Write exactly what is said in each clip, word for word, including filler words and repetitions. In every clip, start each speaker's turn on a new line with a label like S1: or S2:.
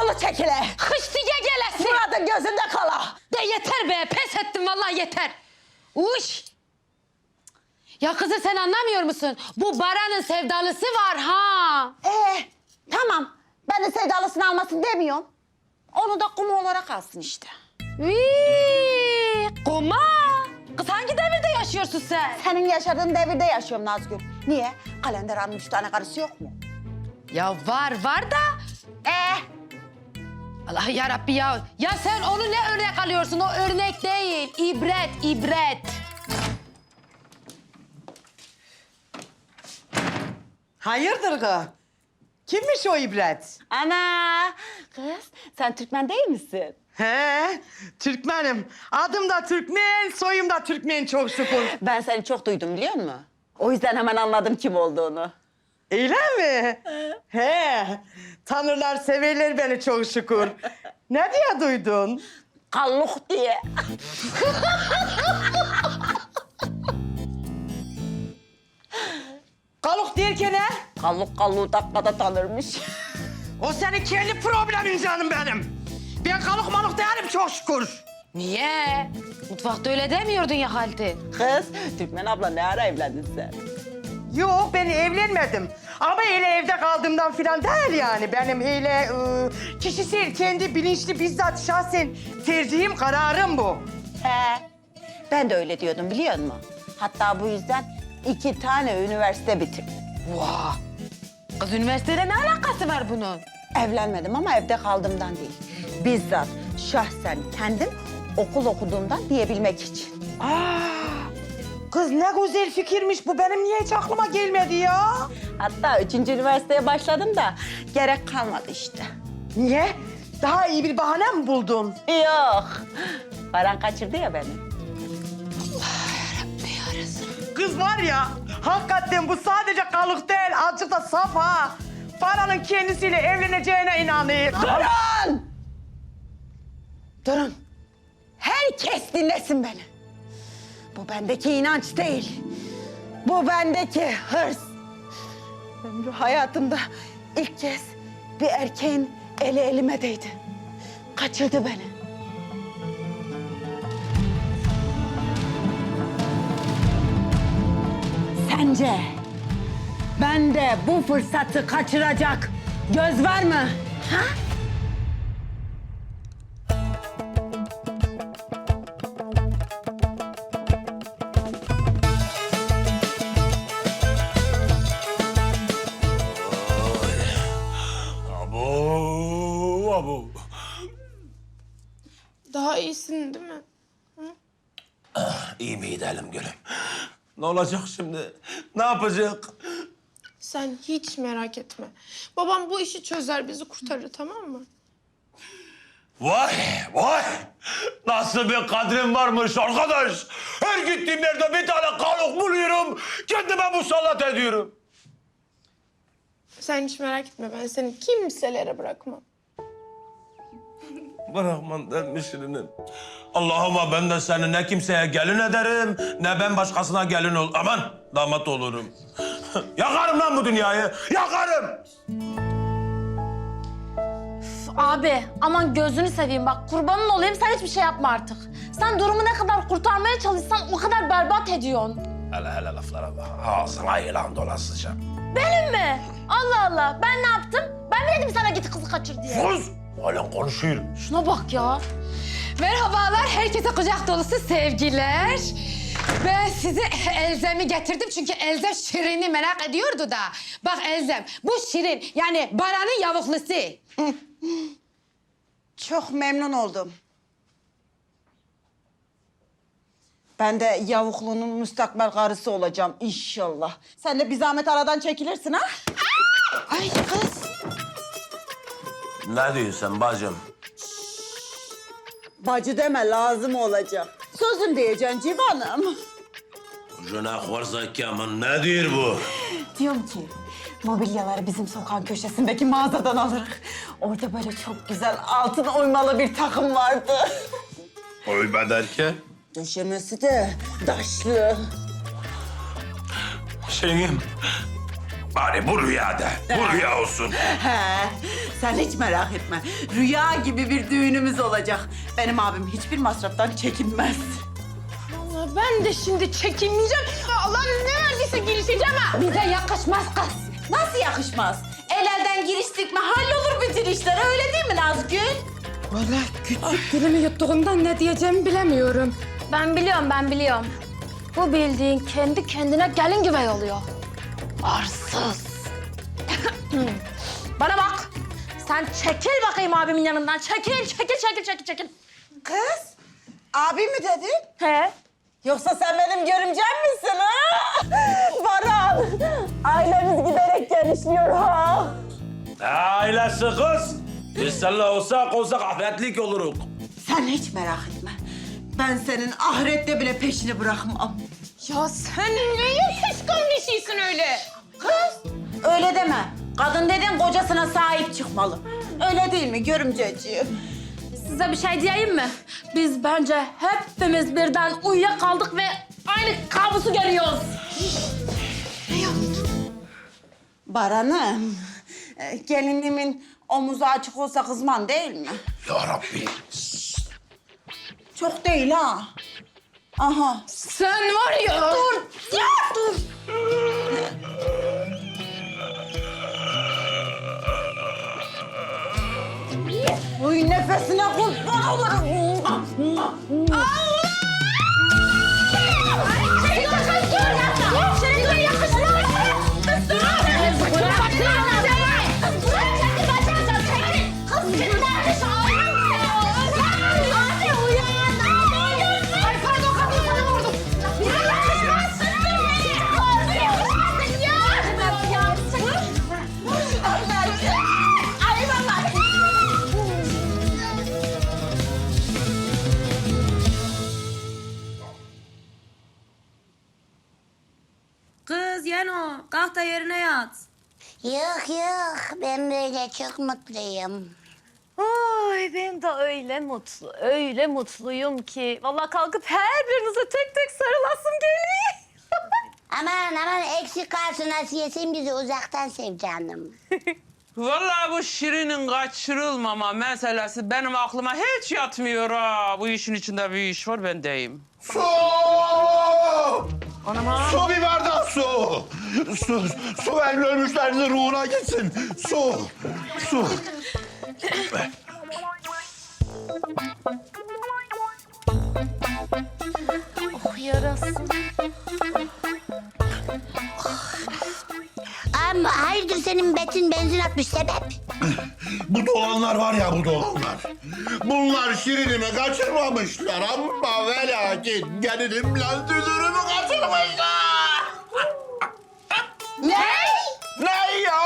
S1: Yolu çekile.
S2: Hıştıya gelesin.
S1: Murat'ın gözünde kala.
S2: De yeter be, pes ettim vallahi yeter. Uş. Ya kızım sen anlamıyor musun? Bu Baran'ın sevdalısı var ha.
S1: Ee, tamam. Ben de sevdalısını almasın demiyorum. Onu da kumu olarak alsın işte.
S2: Vii, kuma. Kız hangi devirde yaşıyorsun sen?
S1: Senin yaşadığın devirde yaşıyorum Nazgül. Niye? Kalender Hanım'ın üç tane karısı yok mu?
S2: Ya var, var da.
S1: Ee,
S2: Allah yarabbi ya. Ya sen onu ne örnek alıyorsun? O örnek değil. İbret, ibret.
S3: Hayırdır kız? Kimmiş o ibret?
S1: ana. Kız, sen Türkmen değil misin?
S3: He, Türkmenim. Adım da Türkmen, soyum da Türkmen çok şükür.
S1: Ben seni çok duydum biliyor musun? O yüzden hemen anladım kim olduğunu.
S3: Öyle mi? He, tanırlar, severler beni çok şükür. Ne diye duydun?
S1: Kalluk diye.
S3: Kaluk derken he?
S1: Kalluk kalluğu dakikada tanırmış.
S3: O senin kendi problemin canım benim. Ben kaluk maluk değilim çok şükür.
S2: Niye? Mutfakta öyle demiyordun ya Halti.
S1: Kız, Türkmen abla ne ara evlendin sen?
S3: Yok, ben evlenmedim. Ama öyle evde kaldığımdan falan değil yani. Benim öyle ıı, kişisel, kendi bilinçli, bizzat şahsen tercihim, kararım bu.
S1: He. Ben de öyle diyordum biliyor musun? Hatta bu yüzden iki tane üniversite bitirdim.
S2: Vah! Kız üniversiteyle ne alakası var bunun?
S1: Evlenmedim ama evde kaldığımdan değil. Bizzat şahsen kendim okul okuduğumdan diyebilmek için.
S3: Aa, kız ne güzel fikirmiş bu. Benim niye hiç aklıma gelmedi ya?
S1: Hatta üçüncü üniversiteye başladım da gerek kalmadı işte.
S3: Niye? Daha iyi bir bahane mi buldun?
S1: Yok. Baran kaçırdı ya beni.
S3: Kız var ya, hakikaten bu sadece kalık değil, azıcık da saf ha. Fara'nın kendisiyle evleneceğine inanıyor.
S1: Durun! Durun. Herkes dinlesin beni. Bu bendeki inanç değil. Bu bendeki hırs. Ömrü hayatımda ilk kez bir erkeğin eli elime değdi. Kaçırdı beni. Sence bende bu fırsatı kaçıracak göz var mı? Ha?
S4: Abo, abo.
S5: Daha iyisin değil mi?
S4: İyi mi gidelim gülüm? Ne olacak şimdi? Ne yapacak?
S5: Sen hiç merak etme. Babam bu işi çözer, bizi kurtarır, tamam mı?
S4: Vay, vay! Nasıl bir kadrim varmış arkadaş? Her gittiğim yerde bir tane kalok buluyorum. Kendime musallat ediyorum.
S5: Sen hiç merak etme, ben seni kimselere bırakmam.
S4: Bırakman dermişinin. Allah'ıma ben de seni ne kimseye gelin ederim, ne ben başkasına gelin ol. Aman damat olurum. Yakarım lan bu dünyayı, yakarım!
S6: Abi aman gözünü seveyim bak kurbanın olayım sen hiçbir şey yapma artık. Sen durumu ne kadar kurtarmaya çalışsan o kadar berbat ediyorsun.
S4: Hele hele laflara bak. Ağzına yılan dolasıca.
S6: Benim mi? Allah Allah ben ne yaptım? Ben mi dedim sana git kızı kaçır diye?
S4: Sus! Halen konuşuyor.
S6: Şuna bak ya.
S2: Merhabalar, herkese kucak dolusu sevgiler. Ben size Elzem'i getirdim çünkü Elzem Şirin'i merak ediyordu da. Bak Elzem, bu Şirin yani Baran'ın yavuklusu.
S1: Çok memnun oldum. Ben de yavuklunun müstakbel karısı olacağım inşallah. Sen de bir zahmet aradan çekilirsin ha?
S2: Ay kız.
S4: Ne diyorsun sen bacım?
S1: Bacı deme lazım olacak. Sözüm diyeceksin civanım.
S4: Ucuna varsa ki aman ne diyor bu?
S1: Diyorum ki mobilyaları bizim sokağın köşesindeki mağazadan alırız. Orada böyle çok güzel altın oymalı bir takım vardı.
S4: Oyma derken?
S1: Döşemesi de taşlı.
S4: Şeyim, bari bu rüyada, bu rüya olsun.
S1: He, Sen hiç merak etme. Rüya gibi bir düğünümüz olacak. Benim abim hiçbir masraftan çekinmez.
S5: Allah ben de şimdi çekinmeyeceğim. Allah ne verdiyse girişeceğim ha.
S2: Bize yakışmaz kız.
S1: Nasıl yakışmaz? El elden giriştik mi hallolur bütün işler, öyle değil mi Nazgül?
S2: Vallahi küçük dilimi yuttuğumdan ne diyeceğimi bilemiyorum.
S6: Ben biliyorum, ben biliyorum. Bu bildiğin kendi kendine gelin güvey oluyor. Arsız. Bana bak. Sen çekil bakayım abimin yanından. Çekil, çekil, çekil, çekil, çekil.
S1: Kız, abi mi dedin?
S6: He?
S1: Yoksa sen benim görümcem misin ha? Baran, ailemiz giderek genişliyor ha.
S4: Ailesi kız. Biz seninle olsak olsak ahretlik oluruk.
S1: Sen hiç merak etme. Ben senin ahirette bile peşini bırakmam.
S5: Ya sen ne kıskan bir şeysin öyle.
S1: Kız, öyle deme. Kadın dedin kocasına sahip çıkmalı. Öyle değil mi görümceciğim?
S6: Size bir şey diyeyim mi? Biz bence hepimiz birden uyuyakaldık ve aynı kabusu görüyoruz.
S1: Baran'ım, e, gelinimin omuzu açık olsa kızman değil mi?
S7: Ya Rabbi.
S1: Çok değil ha. Aha.
S5: Sen var ya.
S1: Dur, ya dur. Uy nefesine kurban olurum.
S6: Kız Yeno, kalk da yerine yat.
S8: Yok yok ben böyle çok mutluyum.
S9: Ay ben de öyle mutlu, öyle mutluyum ki. Vallahi kalkıp her birinize tek tek sarılasım geliyor.
S8: Aman aman eksik kalsın Asiye sen bizi uzaktan sev canım.
S10: Vallahi bu Şirin'in kaçırılmama meselesi benim aklıma hiç yatmıyor ha. Bu işin içinde bir iş var ben deyim.
S7: Su! Su bir bardak su. Su, su verin ölmüşlerin ruhuna gitsin. Su, su.
S6: Oh yarasın.
S8: Ama hayırdır senin betin benzin atmış sebep?
S7: Bu dolanlar var ya bu dolanlar. Bunlar Şirin'imi kaçırmamışlar ama ve lakin gelinimle dünürümü kaçırmışlar.
S8: Ne?
S7: Ne ya?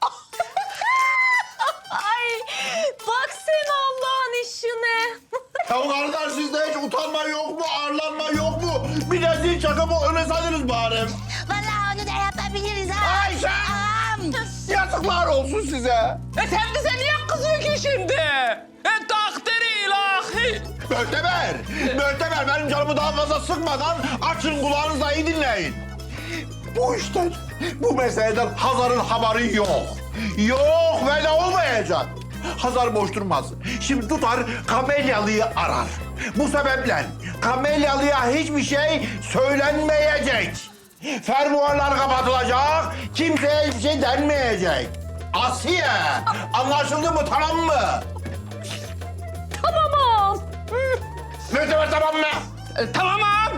S9: Ay bak sen Allah'ın işine.
S7: Ya kardeş sizde hiç utanma yok mu, arlanma yok mu? Bir de zil çakıp öne salırız bari.
S8: Vallahi onu da yapabiliriz ha.
S7: Ayşe!
S8: Ağam.
S7: Yazıklar olsun size.
S10: E sen bize niye kızıyor ki şimdi? E takdiri ilahi.
S7: Möhteber, Möhteber benim canımı daha fazla sıkmadan açın kulağınızla iyi dinleyin. Bu işten, bu meseleden Hazar'ın haberi yok. Yok ve de olmayacak. Hazar boş durmaz. Şimdi tutar Kamelyalı'yı arar. Bu sebeple Kamelyalı'ya hiçbir şey söylenmeyecek. Fermuarlar kapatılacak, kimseye hiçbir şey denmeyecek. Asiye, anlaşıldı mı, tamam mı?
S9: Tamam.
S7: Möhteber tamam mı?
S10: E, tamam.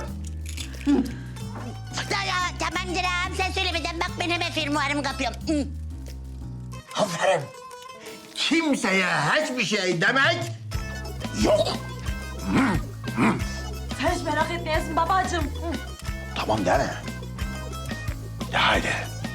S8: Ya, ya, tamamdır ağam sen söylemeden bak ben hemen fermuarımı kapıyorum. Hı.
S7: Aferin. Kimseye hiçbir şey demek yok.
S6: Sen hiç merak etmeyesin babacığım. Hı.
S7: Tamam deme. De haydi.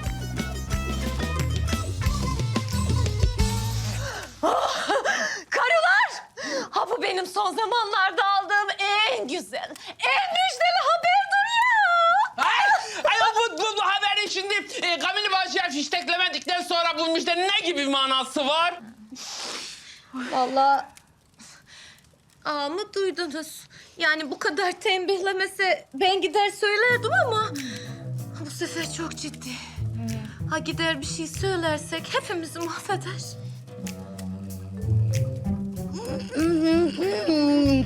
S9: Karılar! Ha bu benim son zamanlarda aldığım en güzel, en müjdeli haberdir ya.
S10: Ay, ay bu, bu, bu haberin şimdi e, Kamil Başı'ya fişteklemedikten sonra bu müjdenin ne gibi bir manası var?
S9: Vallahi ağamı duydunuz. Yani bu kadar tembihlemese ben gider söylerdim ama bu sefer çok ciddi. Ha gider bir şey söylersek hepimizi mahveder.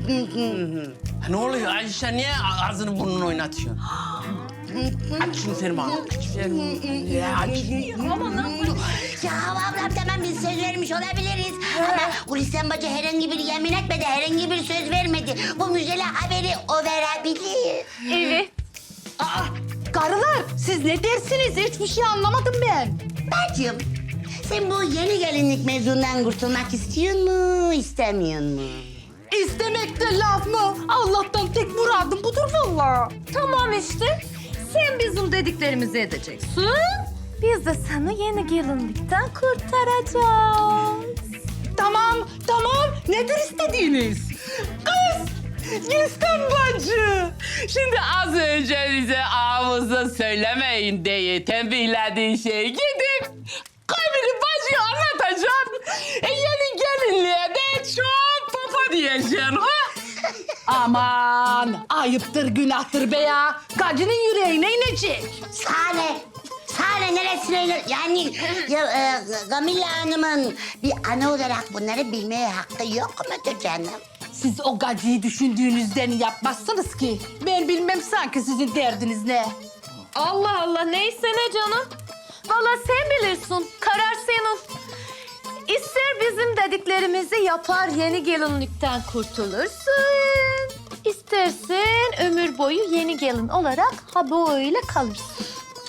S10: Ne oluyor Ayşe? Niye ağzını burnunu oynatıyorsun? Aç şunu Ferma. Ya aç.
S8: Ya Hava ablam tamam biz söz vermiş olabiliriz. Ama Gülistan bacı herhangi bir yemin etmedi, herhangi bir söz vermedi. Bu müjdeli haberi o verebilir.
S9: Evet.
S6: Aa, karılar siz ne dersiniz? Hiçbir şey anlamadım ben.
S8: Bacım, sen bu yeni gelinlik mevzundan kurtulmak istiyor mu, istemiyor mu?
S6: İstemekte laf mı? Allah'tan tek muradım budur vallahi.
S9: Tamam işte. Sen bizim dediklerimizi edeceksin. Biz de seni yeni gelinlikten kurtaracağız.
S6: Tamam, tamam. Nedir istediğiniz? Kız, Gülistan bacı.
S10: Şimdi az önce bize ağzınıza söylemeyin diye tembihlediğin şeyi gidip Kamil'i bacıya anlatacağım. E, yeni gelinliğe de çok papa diyeceksin ha?
S6: Aman, ayıptır, günahtır be ya. Gacının yüreğine inecek.
S8: Sare, Sare neresine iner? Yani ya, e, Gamilla Hanım'ın bir ana olarak bunları bilmeye hakkı yok mudur canım?
S6: Siz o gacıyı düşündüğünüzden yapmazsınız ki. Ben bilmem sanki sizin derdiniz ne.
S9: Allah Allah neyse ne canım. Vallahi sen bilirsin. Karar senin. İster bizim dediklerimizi yapar yeni gelinlikten kurtulursun. İstersen ömür boyu yeni gelin olarak ha böyle kalırsın.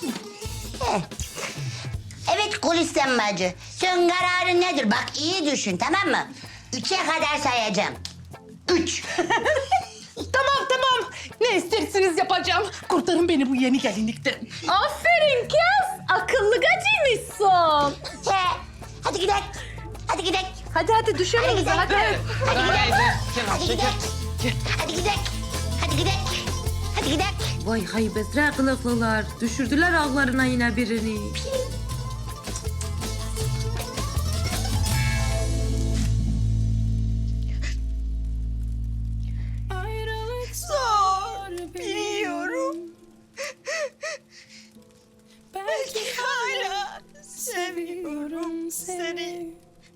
S8: Evet Gülistan bacı, sen kararın nedir? Bak iyi düşün, tamam mı? Üçe kadar sayacağım. Üç.
S6: Tamam tamam. Ne isterseniz yapacağım. Kurtarın beni bu yeni gelinlikten.
S9: Aferin kız. Akıllı gacıymışsın.
S8: He, hadi gidelim. Hadi gidelim.
S9: Hadi hadi düşelim
S8: Hadi
S9: bize
S8: gidelim.
S9: hadi.
S8: Hadi gidelim. Hadi gidelim. Hadi gidelim. Hadi gidelim. Hadi gidelim.
S9: Vay haybetler kılıklılar. Düşürdüler ağlarına yine birini.
S1: Zor biliyorum. Belki hala seviyorum seni.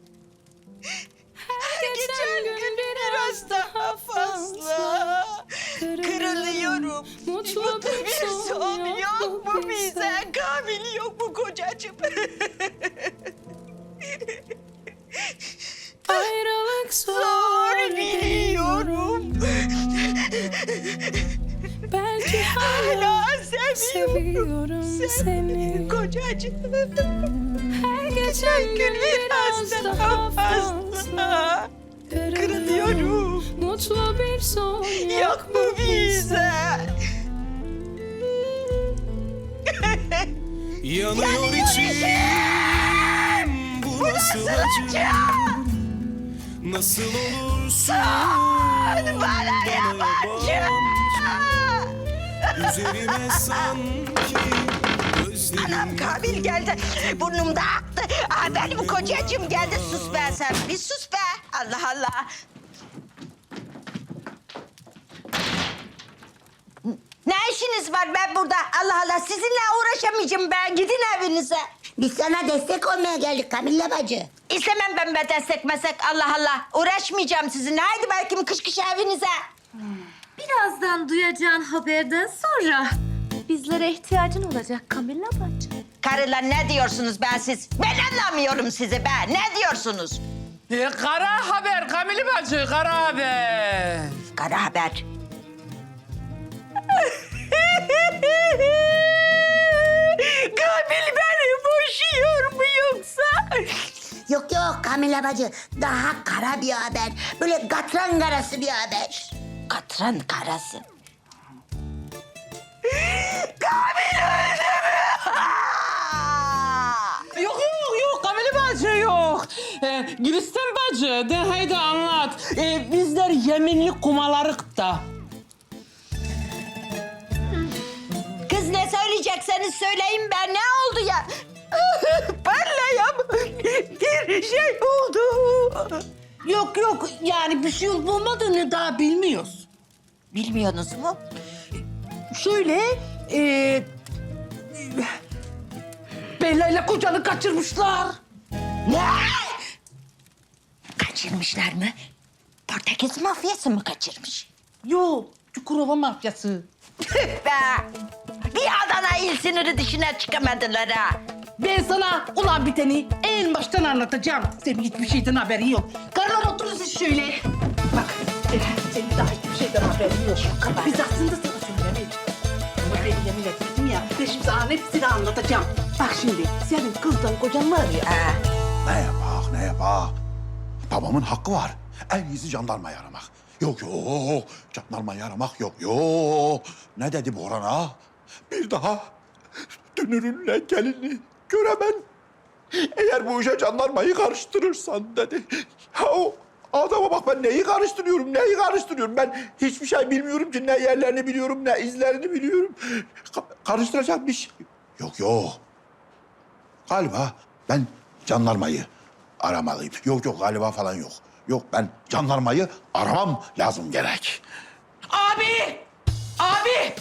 S1: Her geçen gün biraz daha fazla kırılıyorum. Mutlu bir son yok mu bize? Kamil yok mu kocacığım? Ayrılık zor biliyorum. Belki hala seviyorum seni kocacığım. Her geçen gün biraz daha fazla kırılıyorum. Mutlu bir son yok mu bize?
S11: Yanıyor içim, bu nasıl acı? Nasıl olursun bana yabancı? Üzerime sanki gözlerim...
S1: Anam Kamil geldi. Burnumda aktı. Aa, benim kocacığım geldi. Sus be sen. Bir sus be. Allah Allah. Ne işiniz var ben burada? Allah Allah. Sizinle uğraşamayacağım ben. Gidin evinize.
S8: Biz sana destek olmaya geldik Kamilla bacı.
S1: İstemem ben be destek meslek. Allah Allah. Uğraşmayacağım sizinle. Haydi belki kış kış evinize.
S9: Birazdan duyacağın haberden sonra bizlere ihtiyacın olacak Kamilla bacı.
S1: Karılar ne diyorsunuz ben siz? Ben anlamıyorum sizi be. Ne diyorsunuz?
S10: E, kara haber Kamil bacı, kara haber.
S1: Kara haber. Kamil beni boşuyor mu yoksa?
S8: Yok yok Kamilla bacı, daha kara bir haber. Böyle katran karası bir haber.
S1: Katran karası. Kamil öldü mü?
S10: Yok yok yok Kamil bacı yok. E, Gülistan bacı de haydi anlat. E, bizler yeminli kumalarık da.
S1: Kız ne söyleyecekseniz söyleyin ben. Ne oldu ya? Parlayan bir şey oldu.
S6: Yok yok yani bir şey olup olmadığını daha bilmiyoruz.
S1: Bilmiyorsunuz mu?
S6: Şöyle e, Bella ile kocanı kaçırmışlar.
S1: Ne? Kaçırmışlar mı?
S8: Portekiz mafyası mı kaçırmış?
S3: Yok, Çukurova mafyası.
S1: Tüh be! Bir Adana il sınırı dışına çıkamadılar ha.
S3: Ben sana ulan biteni en baştan anlatacağım. Senin hiçbir şeyden haberin yok. Karılar oturun siz şöyle. Bak, senin, senin daha hiçbir şeyden haberin yok. Biz aslında sana söylemeyiz. Ama ben yemin etmedim ya. Ben şimdi sana hepsini anlatacağım. Bak şimdi, senin kızdan kocan var ya.
S7: Ne yapak, ne yapak? Babamın hakkı var. En iyisi jandarmayı aramak. Yok yok, jandarmayı aramak yok yok. Ne dedi Boran ağa? Bir daha dünürünle gelini göremem. Eğer bu işe jandarmayı karıştırırsan dedi. Ya o adama bak, ben neyi karıştırıyorum, neyi karıştırıyorum? Ben hiçbir şey bilmiyorum ki. Ne yerlerini biliyorum, ne izlerini biliyorum. Ka- karıştıracak bir şey yok yok. Galiba ben jandarmayı aramalıyım. Yok yok, galiba falan yok. Yok, ben jandarmayı aramam lazım gerek.
S3: Abi! Abi!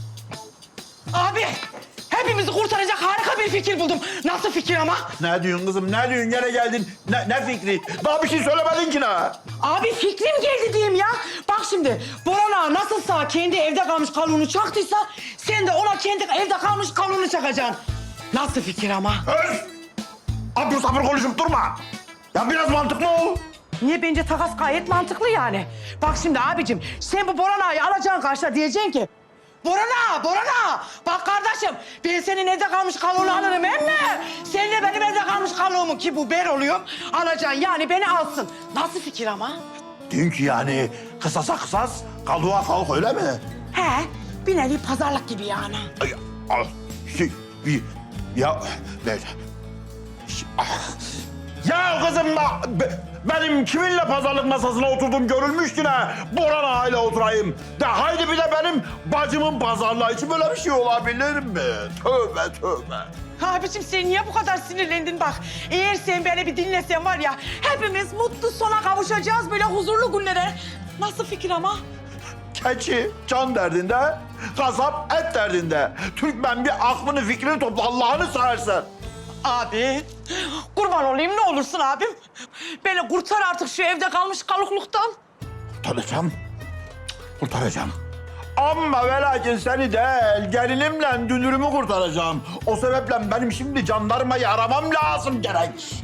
S3: Abi! Hepimizi kurtaracak harika bir fikir buldum. Nasıl fikir ama?
S7: Ne diyorsun kızım, ne diyorsun? Gene geldin. Ne, ne fikri? Daha bir şey söylemedin ki ne?
S3: Abi fikrim geldi diyeyim ya. Bak şimdi Boran ağa nasılsa kendi evde kalmış kaluğunu çaktıysa sen de ona kendi evde kalmış kaluğunu çakacaksın. Nasıl fikir ama?
S7: Öf! Abur sabır konuşup durma. Ya biraz mantıklı ol.
S3: Niye? Bence takas gayet mantıklı yani. Bak şimdi abicim sen bu Boran ağayı alacaksın karşıda diyeceksin ki Boran ağa, Boran ağa. Bak kardeşim ben senin evde kalmış kaluğunu alırım emme. Sen de benim evde kalmış kaluğumu ki bu ben oluyor. Alacaksın yani beni alsın. Nasıl fikir ama?
S7: Diyorsun ki yani kısasa kısas, kalığa kalk, öyle mi?
S3: He bir nevi pazarlık gibi yani.
S7: Ay, ah, şey, bir, ya, ben, şey, ah. Ya kızım bak, be- benim kiminle pazarlık masasına oturdum görülmüş ki ne? Boran ağayla oturayım. De haydi bir de benim bacımın pazarlığı için böyle bir şey olabilir mi? Tövbe tövbe.
S3: Abicim sen niye bu kadar sinirlendin bak. Eğer sen beni bir dinlesen var ya hepimiz mutlu sona kavuşacağız böyle huzurlu günlere. Nasıl fikir ama?
S7: Keçi can derdinde, kasap et derdinde. Türkmen bir aklını fikrini topla, Allah'ını seversen.
S3: Abi kurban olayım ne olursun abim. Beni kurtar artık şu evde kalmış kalıkluktan.
S7: Kurtaracağım, kurtaracağım. Ama ve lakin seni değil, gelinimle dünürümü kurtaracağım. O sebeple benim şimdi jandarmayı aramam lazım gerek.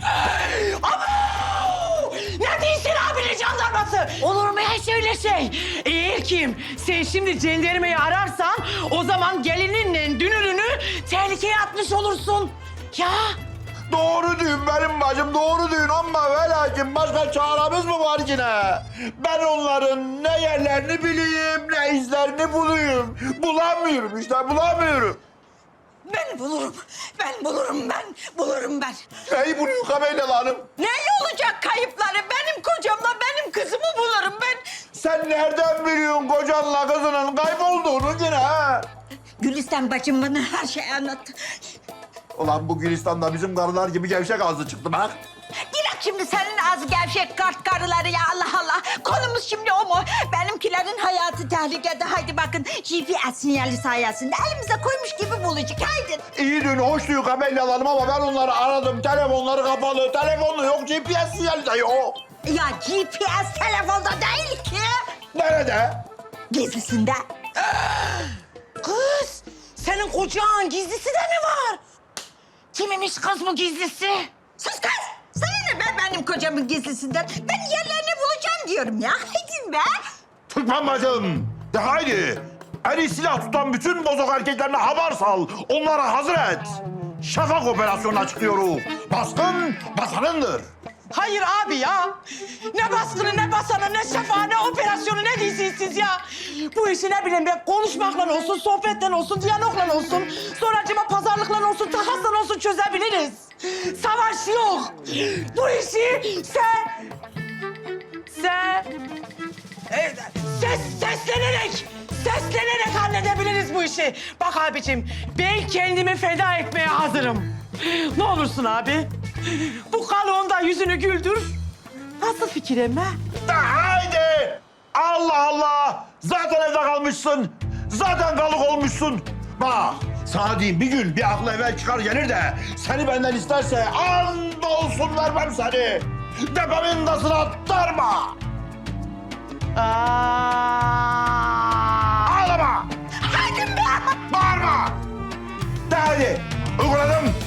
S3: Abo! Ne değilsin abinin jandarması? Olur mu hiç öyle şey? Eğer kim sen şimdi jandarmayı ararsan o zaman gelininle dünürünü tehlikeye atmış olursun. Ya
S7: Doğru diyorsun benim bacım, doğru diyorsun ama ve lakin başka çaremiz mi var yine? Ben onların ne yerlerini bileyim, ne izlerini bulayım. Bulamıyorum işte, bulamıyorum.
S1: Ben bulurum, ben bulurum, ben bulurum ben.
S7: Neyi buluyor Kabeyla Hanım?
S1: Ne olacak kayıpları? Benim kocamla benim kızımı bulurum ben.
S7: Sen nereden biliyorsun kocanla kızının kaybolduğunu yine ha?
S1: Gülistan bacım bana her şeyi anlattı.
S7: Ulan bu Gülistan'da bizim karılar gibi gevşek ağzı çıktı bak.
S1: Bırak şimdi senin az gevşek kart karıları ya Allah Allah. Konumuz şimdi o mu? Benimkilerin hayatı tehlikede. Haydi bakın G P S sinyali sayesinde elimize koymuş gibi bulacak. Haydi.
S7: İyi dün hoş diyor Kabeyla Hanım ama ben onları aradım. Telefonları kapalı, telefonu yok, G P S sinyali de yok.
S1: Ya G P S telefonda değil ki.
S7: Nerede?
S1: Gizlisinde.
S3: kız senin kocan gizlisi de mi var? Kimmiş kız bu gizlisi?
S1: Sus kız. Sana ne be benim kocamın gizlisinden? Ben yerlerini bulacağım diyorum ya. Haydi be.
S7: Türkmen bacım, de haydi. Eli silah tutan bütün bozok erkeklerine haber sal. Onları hazır et. Şafak operasyonuna çıkıyoruz. Baskın basanındır.
S3: Hayır abi ya. Ne baskını, ne basanı, ne şafağı, ne operasyonu, ne diyorsunuz siz ya? Bu işi ne bileyim ben konuşmakla olsun, sohbetle olsun, diyalogla olsun, sonracıma pazarlıkla olsun, takasla olsun çözebiliriz. Savaş yok. Bu işi sen... Sen... e, Ses, seslenerek, seslenerek halledebiliriz bu işi. Bak abicim, ben kendimi feda etmeye hazırım. Ne olursun abi. Bu kalıonda yüzünü güldür. Nasıl fikir emme?
S7: De haydi. Allah Allah. Zaten evde kalmışsın. Zaten kalık olmuşsun. Bak sana diyeyim, bir gün bir aklı evvel çıkar gelir de seni benden isterse and olsun vermem seni. Tepemin tasına darma. Ağlama!
S1: Hadi be!
S7: Bağırma! De hadi! Uyguladım.